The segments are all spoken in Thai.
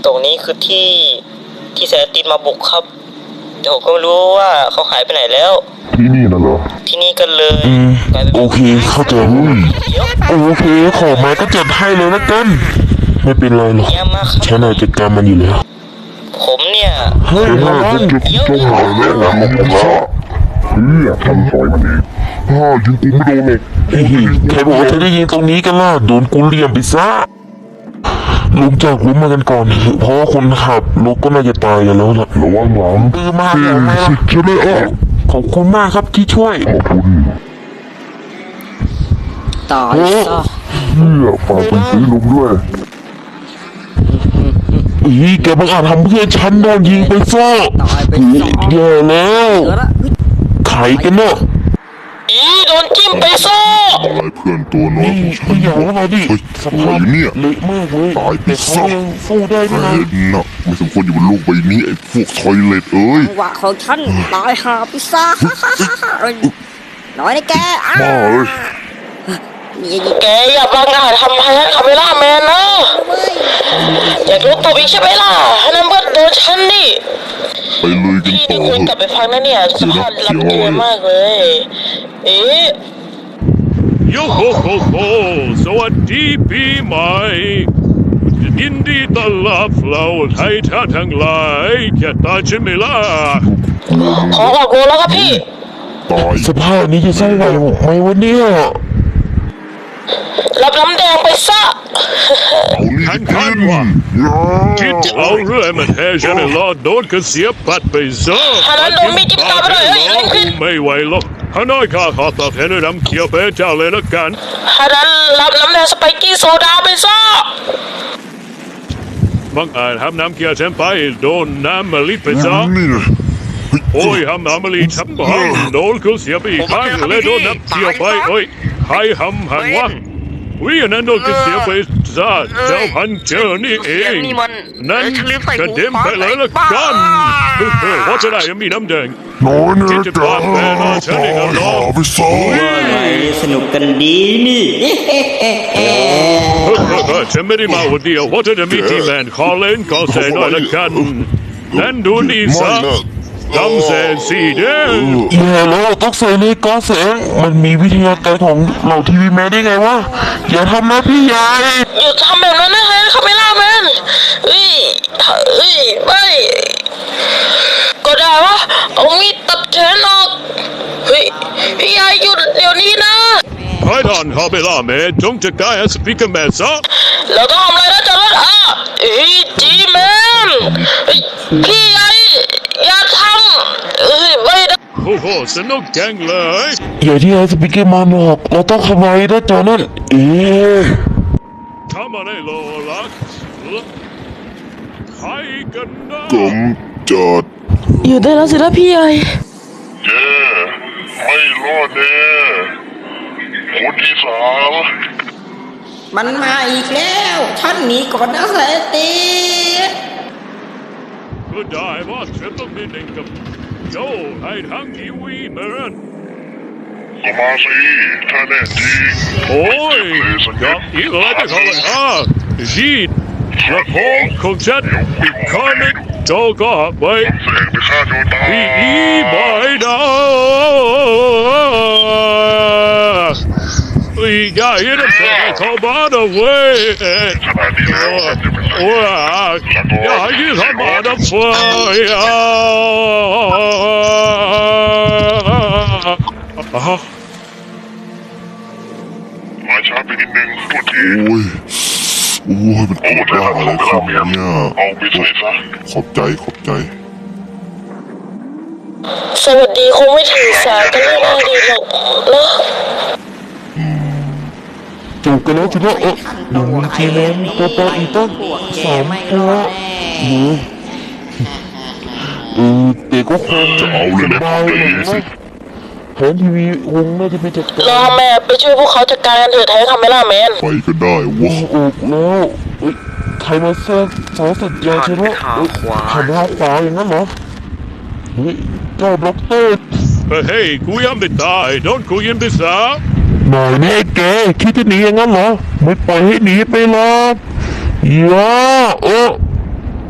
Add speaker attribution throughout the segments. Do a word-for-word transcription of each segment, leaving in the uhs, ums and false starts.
Speaker 1: ตรงนี้คือที่ที่เซเลตินมาบุกครับแต่ผมก็ไม่รู้ว่าเขาหายไปไหนแล้ว
Speaker 2: ที่นี่น่ะเหรอ
Speaker 1: ที่นี่กันเลย
Speaker 3: อืมโอเคเข้าใจโอเคขอมาก็จัดให้เลยนะกันไม่เป็นไรหรอกฉันอาจจะกรรมมันอยู่แล้ว
Speaker 1: ผมเนี่ย
Speaker 3: เฮ้ย
Speaker 2: เฮ้
Speaker 3: ระ
Speaker 2: ย
Speaker 3: วัง
Speaker 2: พวกเจ้าหายแล้วหลังผมซะเฮ้ยทำซอยมันเองฮ่ายิงกูไม่โดนหรอก
Speaker 3: เฮ้ยใครบอกว่าจะได้ยิงตรงนี้กันล่ะโดนกูเหลี่ยมไปซะลุกจากลุกมากันก่อนเพราะว่าคนขับรถก็น่าจะตายกันแล้วล่ะ
Speaker 2: ระวังหลัง
Speaker 3: เออมา
Speaker 2: เฮ้
Speaker 3: แล้ว
Speaker 2: ย
Speaker 3: มา
Speaker 2: สิใช่ไหมอ่ะ
Speaker 3: ขอบคุณมากครับที่ช่วย
Speaker 2: ขอบคุณ
Speaker 1: ตายซะ
Speaker 2: เฮียฝากไปซื้อลุงด้วย
Speaker 3: อีแกบังอาจทำเพื่อนฉันโดนยิงไปซะ
Speaker 1: ตายไปซะ
Speaker 3: แย่แล้ว
Speaker 1: เกิดละ
Speaker 3: ไขกันเนาะ
Speaker 1: อีโดนจิ้มไปซะ
Speaker 2: อะไรเพื่อนตัวน้อย
Speaker 3: นี่
Speaker 2: ของฉั
Speaker 3: พี่
Speaker 2: น
Speaker 3: อยากมาดิ
Speaker 2: เฮ้ย
Speaker 3: ส
Speaker 2: อะไร
Speaker 3: ภาพ
Speaker 2: เนี่ย
Speaker 3: เละมากเลย
Speaker 2: ตายไป
Speaker 3: แต่เขา
Speaker 2: ซะ
Speaker 3: ยังสู้ได้ด้วยนะ
Speaker 2: เห็นนะไม่สมควรอยู่บนโลกใบนี้ไอ้พวกทอยเลตเอ้ย
Speaker 4: จังหวะของฉันตายหาพิซซ่าน้อยนะแกอ้า
Speaker 2: บ้าเอ้ย
Speaker 4: นี่
Speaker 1: แกอย่าบังอาจทำให้คาเมล่าแมนนะอยากรู้ตัวอีกใช่ไหมล่ะให้นั่นเพื่อนโดนฉันนี่
Speaker 2: ไปเลยกัน
Speaker 1: พี่
Speaker 2: ต่
Speaker 1: ที่
Speaker 2: อ
Speaker 1: คุณ
Speaker 2: เถ
Speaker 1: กลับ
Speaker 2: อะ
Speaker 1: ไปฟังนะเนี่ยสภาพรับเยอะมากเลย เอ๊ะ
Speaker 5: โยโฮโฮโฮสวัสดีปีใหม่ยินดีต้อนรับเราไทยท่าทั้งหลายแค่ตาใช่ไหมล่ะ
Speaker 1: ขอออกโรงแล้วครับพี่
Speaker 2: ตาย
Speaker 3: สภาพนี้จะใช่ไหวไหมวะเนี่ย
Speaker 1: รับน้ำแดงไปซะ
Speaker 2: เอานี่
Speaker 5: ท่าน
Speaker 2: กิ
Speaker 5: ท่าน
Speaker 2: น
Speaker 5: ว่า
Speaker 2: ย่า
Speaker 5: คิดเอาเรื่อยมาแท้ใช่ไหมล่ะโดนกระเสียปัดไปซะ
Speaker 1: ท่านนั้นโดนมีดจิ้มตาไปเลยเฮ้ยเร่งขึ้น
Speaker 5: ไม่ไหวหรอกฮานอยข้าขอตอบแทนด้วยน้ำเขียวไปให้เจ้าเลยละกัน
Speaker 1: ท่านนั้นรับน้ำแดงสไปกี้โซดาไปซะ
Speaker 5: บางอาจทำน้ำเขียวฉันไปโดนน้ำมะลิไปซะ
Speaker 2: นี่นะเฮ้ย
Speaker 5: โอ้ยทำน้ำมะลิฉันบังโดนเขาเสียไปอีกครั้งและโดนน้ำเขียวไปโอ้ยใครทำหันวะวิอันนั้นโดนกระเสียไปซะเจ้าพันเจอนี่เองนั่นกระเด็นไปเลยละกันเฮ้ยว่าจะได้ยังมีน้ำแดง
Speaker 2: น้อยนะ
Speaker 5: ที่จะ
Speaker 2: จ๊ะ
Speaker 5: ปาดแม่น้อยฉันเองอะเนาะ
Speaker 2: หาไปซะ
Speaker 4: สนุกกันดีนี่
Speaker 5: เฮ้ยฉันไม่ได้มาวันเดียวว่าจะได้มีทีมแมนขอเล่นขอแสหน่อยละกันนั่นดูนี่ซะกำแสนสีแดง
Speaker 3: แย่แล้วต้องใส่เลขก้อนแสงมันมีวิทยาการของเหล่าทีวีแมนได้ไงวะอย่าทำนะพี่ใหญ่
Speaker 1: หยุดทำแบบนั้นนะฮะคาเมล่าแมนเฮ้ยเฮ้ยไม่ก็ได้วะเอามีดตัดแขนออกเฮ้ยพี่ยายหยุดเดี๋ยวนี้นะ
Speaker 5: ไอ้ดอนเขาไปล่าแม่จงจะกลายสปีกเกอร์แมนซะ
Speaker 1: เราต้องทำอะไรนะจอร์ดอ่ะเฮ้ยจีแมนเฮ้ยพี่ยายอย่าทำเฮ้ยไม่ได้
Speaker 5: โอ้โหสนุกจังเลย
Speaker 3: อย่าที่ไอ้สปิเกอร์มาบอกเราต้องทำไมนะจอนั่นเอ๊ะ
Speaker 5: ทำอะไรโลลักใครกันนะ
Speaker 2: กำจัด
Speaker 1: อยู่ได้แล้วสินะพี่ใหญ่
Speaker 2: แย่ไม่รอดแน่คนที่สาม
Speaker 4: มันมาอีกแล้วฉันหนีก่อนนะเซตี
Speaker 5: ก็ได้ว่าฉันต้องมีหนึ่งกับโจให้ทั้งทีวีเหมือน
Speaker 2: ก็มาสิถ้าแน่จริง
Speaker 5: โอ้ยอยากอีกอะไรจะเขาเลยอ่ะจีดกระโปงของฉันอีกข้อนึงโจก็ไป
Speaker 2: แสงไปฆ่าโจตา
Speaker 5: อีอีบายดาอีกอย่างนี้ต้องใช้เขาบ้านเอาไว้
Speaker 2: ขนาดนี้แล้วจะเป็นไร
Speaker 5: ว้าอย่าให้ทำมาดับไฟอ่ะ
Speaker 2: มาช้าไปนิดนึงโทษทีโอ้ยโอ้ยมันโคตรยากเลยครับเนี่ยเอาไปใส่ซะขอบใจขอบใจ
Speaker 1: สวัสดีคงไม่ถือสากันไม่ได้ดีหรอกเนาะ
Speaker 3: จบกันแล้วทีละเออหนึ่งทีแมนตัวโตอีกตั้งสามตัวโอ้ยเออแต่ก็คง
Speaker 2: จะเอาเลยนะ
Speaker 3: สบายเลยนะแผนทีวีคงน่าจะไปจัดการ
Speaker 1: รอแม่ไปช่วยพวกเขาจัดการกันเถอะแทนคาเมล่าแมน
Speaker 2: ไปก็ได้วะ
Speaker 3: ออกแล้วเอ้ยใครมาแทรกสายสัญญาณใช่ไหมเอ้ยหันไปทางขวาอย่างนั้นเหรอเฮ้ยเจ้าบล็อกเตอร์
Speaker 5: เฮ้ยกูยังไม่ตายโดนกูยิงไปซะ
Speaker 3: หน่อยนี่ไอ้แกคิดจะหนีอย่างนั้นเหรอไม่ปล่อยให้หนีไปหรอกอย่าโอ้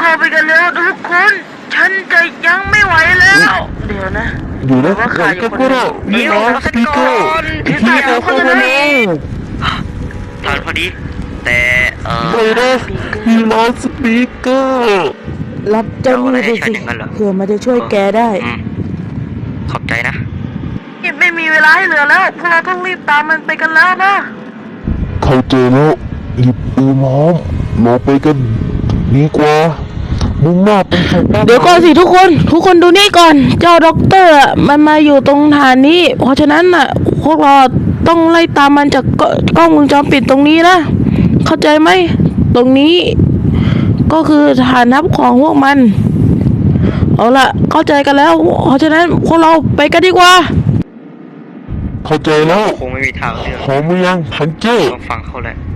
Speaker 1: เข้าไปกันแล้วทุกคน ฉันจะยังไม่ไหวแล้ว เดี๋ยวนะ
Speaker 3: อยู่นะหลังจากก็ได้มีน้องสปีกเกอร์ที่จะเข้ามาแล้ว
Speaker 6: ทันพอดี แต่เออ
Speaker 3: ไปนะมีน้องสปีกเกอร์
Speaker 4: รับเจ้าหนี้ไปสิเพื่อมันจะช่วยแกได้
Speaker 6: อืมขอบใจนะ
Speaker 1: ไม่มีเวลาให้เหลือแล้วพวกเราต้องรีบตามมันไปกันแล้วนะ
Speaker 3: เข้าใจแล้วหยิบปืนน้องเราไปกันดีกว่ามุ่งหน้าไปสู่บ้าน
Speaker 1: เดี๋ยวก่อนสิทุกคน ทุกคนดูนี่ก่อน เจ้าด็อกเตอร์อะมันมาอยู่ตรงฐานนี้ เพราะฉะนั้นน่ะ พวกเราต้องไล่ตามมันจากกกล้องวงจรปิดตรงนี้นะ เข้าใจไหม ตรงนี้ ก็คือฐานทัพของพวกมัน เอาล่ะ เข้าใจกันแล้ว เพราะฉะนั้นพวกเราไปกันดีกว่า
Speaker 3: เข้าใจแล้ว
Speaker 6: คงไม่มีทางเลือก
Speaker 3: ขอมือยังพันเจ้
Speaker 6: ต้องฟังเขาแหละ